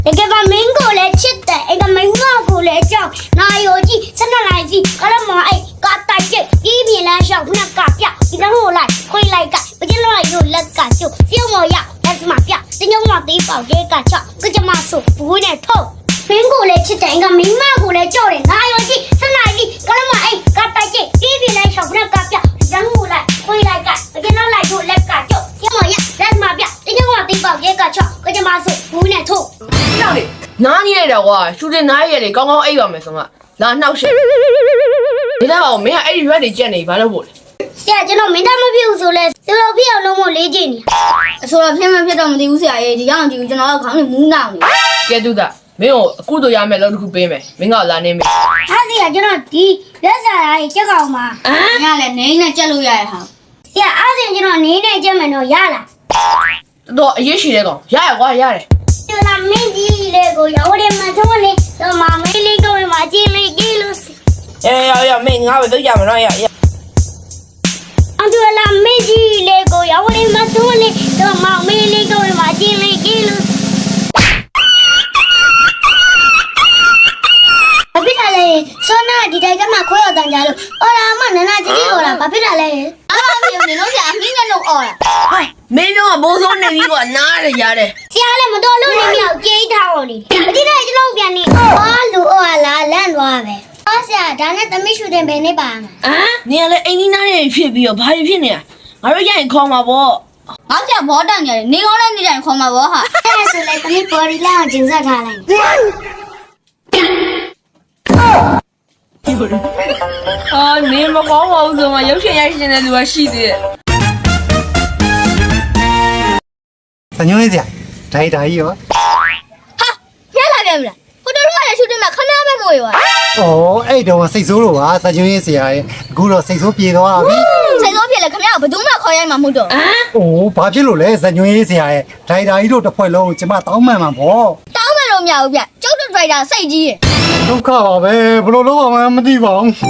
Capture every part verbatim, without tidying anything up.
တကယ်ပါမင်းကိုလည်းချစ်တယ်အဲ့ကမင်းမကိုလည်းကြောက်နာယောကြီးစနလိုက်စီကလမောအဲ့ကာတိုက်ကျပြီးပြင်းလန်းလျှောက်နှက်ကပြဒီကမို့လိုက်ခွေးလိုက်ကပကျလို့ရိုလက်ကကျုပ်ပြုံးမော်ရလက်စမပြတင်းညောင်းမသေးပေါတဲ့ကချောက်ကကြမဆိုဘူးနဲ့ထုတ်မင်းကိုလည်းချစ်တယ်အဲ့ကမင်းမကိုလည်းကြောက်တယ်နာယောကြီးစနလိုက်စီကလမောအဲ့ကာတိုက်ကျပြီးပြင်းလန်းလျှောက်နှက်ကပြဒီကမို့လိုက်ခွေးလိုက်ကပကျလို့ရိုလက်ကကျုပ်ပြုံးမော်ရလက်စမပြတင်းညောင်းမသေးပေါတဲ့ကချောက်ကကြမဆိုဘူးနဲ့ထုတ်ကြောက်လေနားနေရတော့ကွာရှူတင်နားရလေကောင်းကောင်းအိပ်ပါမယ်ဆိုမှလာနှောက်ရှက်ဒီတော့မင်းကအဲ့ဒီရွက်တွေကြက်နေဘာလို့ပို့လဲဆရာကျွန်တော်မင်းသားမဖြစ်ဘူးဆိုလဲသူတို့ဖြစ်အောင်လုပ်ဖို့လေးကျင်နေအဆိုတော့ဖြစ်မဖြစ်တော့မသိဘူးဆရာရဲ့ဒီကောင်ကြည့်ကျွန်တော်ကခေါင်းနဲ့မူးနောင်နေကဲတူတာမင်းကိုအခုတို့ရမယ်လို့တစ်ခုပေးမယ်မင်းကလာနေမယ်ဟာဆရာကျွန်တော်ဒီလက်စာရေးကြက်ကောင်မှာဟမ်ညလည်းနေနဲ့ကြက်လို့ရရဟာဆရာအားစင်ကျွန်တော်နေနဲ့ကြက်မယ်တော့ရလားတော့အရေးရှိတဲ့ကောင်ရရကွာရတယ်ကျလာမင်းကြီးလေကိုရောတယ်မထုံးလေတော့မမေးလေးကိုမှကြည့်လိုက်ကြည့်လို့အေးရရမင်းငါပဲတော့ရမနော်ရရအတူလာမင်းကြီးလေကိုရောတယ်မထုံးလေတော့မမေးလေးကိုမှကြည့်လိုက်ကြည့်လို့ဘာဖြစ်တာလဲစောနာဒီတိုက်ကမှခွဲရတန်ကြလို့အော်လာမနနာကြီးကြီးအော်လာဘာဖြစ်တာလဲအားမပြောနေလို့ဆရာအမင်းကတော့အော်လာဟဲ့မင်းတို့ကဘိုးစိုးနေပြီကွာနားရရတယ်ဆရာလည်းမတော်လို့နေမြောက်ကြေးထားအောင်လေအတိတ်ကျွန်တော်ပြန်နေအော်လူအော်လာလန့်သွားပဲအော်ဆရာဒါနဲ့သမီးရှူတင်ပဲနေပါမှာဟမ်နေရလေအိမ်နီးနားနေဖြစ်ပြီးတော့ဘာဖြစ်နေရငါတို့ရရင်ခေါ်မှာပေါ့ငါဆရာဘောတန်ကြတယ်နေကောင်းတဲ့နေတိုင်းခေါ်မှာပေါ့ဟာအဲ့ဒါဆိုလေသမီးပေါ်ရီလာကျင်းဆက်ထားလိုက်အာနေမကောင်းပါဘူးဆိုမှရုပ်ရှင်ရိုက်ရှင်တဲ့လူကရှိသေးတယ်စညွှန်းစရာဒိုင်ဒါကြီးရောဟာညလာပြန်ပြီလားဟိုတော်တော်လည်းရှူတင်မှာခဏပဲမို့ရွာဩအဲ့တော့စိတ်ဆိုးလို့ပါစညွှန်းစရာရဲ့အခုတော့စိတ်ဆိုးပြေသွားပြီစိတ်ဆိုးပြေလဲခင်ဗျားဘယ်သူမှခေါ်ရိုက်မှာမဟုတ်တော့ဟမ်အိုးဘာဖြစ်လို့လဲစညွှန်းစရာရဲ့ဒိုင်ဒါကြီးတို့တစ်ဖွဲ့လုံးကျမတောင်းမှန်မှာပေါ့တောင်းမယ်လို့မရဘူးဗျကျုပ်တို့ဒရိုက်တာစိတ်ကြီးရဲ့ဒုက္ခပါပဲဘယ်လိုလုပ်အောင်မသိပါဘူး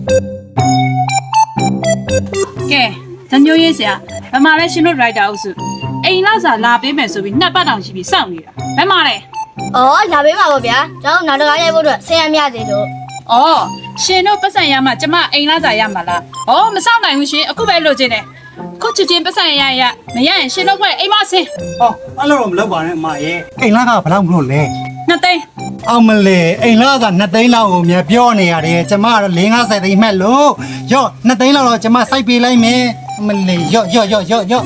ကဲဇညိုးရေးဆရာဘယ်မှာလဲရှင်တို့ဒရိုက်တာအုပ်စုအိမ်လောက်စာလာပေးမယ်ဆိုပြီးနှစ်ပတ်တောင်ရှိပြီစောင့်နေတာဘယ်မှာလဲဩလာပေးမှာပေါ့ဗျာကျွန်တော်နောက်တစ်ခါရိုက်ဖို့အတွက်ဆင်ရမြသေးလို့ဩရှင်တို့ပတ်စံရမှကျမအိမ်လောက်စာရမှာလားဩမစောင့်နိုင်ဘူးရှင်အခုပဲလိုချင်တယ်ခုချစ်ချင်းပတ်စံရရမရရင်ရှင်တို့ကအိမ်မဆင်းဟောအဲ့လိုတော့မလုပ်ပါနဲ့အမရဲ့အိမ်လာကဘယ်လောက်မလို့လဲနှစ်သိန်းအောင်မလေးအိမ်လာကနှစ်သိန်းလောက်ကိုမြပြောနေရတယ်ကျမကတော့၄၅၀သိန်းမှတ်လို့ရော့နှစ်သိန်းလောက်တော့ကျမစိုက်ပေးလိုက်မယ်အမလေးရော့ရော့ရော့ရော့ရော့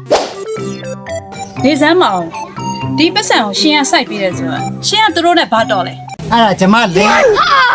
နေစမ်းမအောင်ဒီပတ်စံကိုရှင်ရစိုက်ပေးတယ်ဆိုတော့ရှင်ကသူတို့နဲ့ဘာတော်လဲအဲ့ဒါကျမလေးဟာ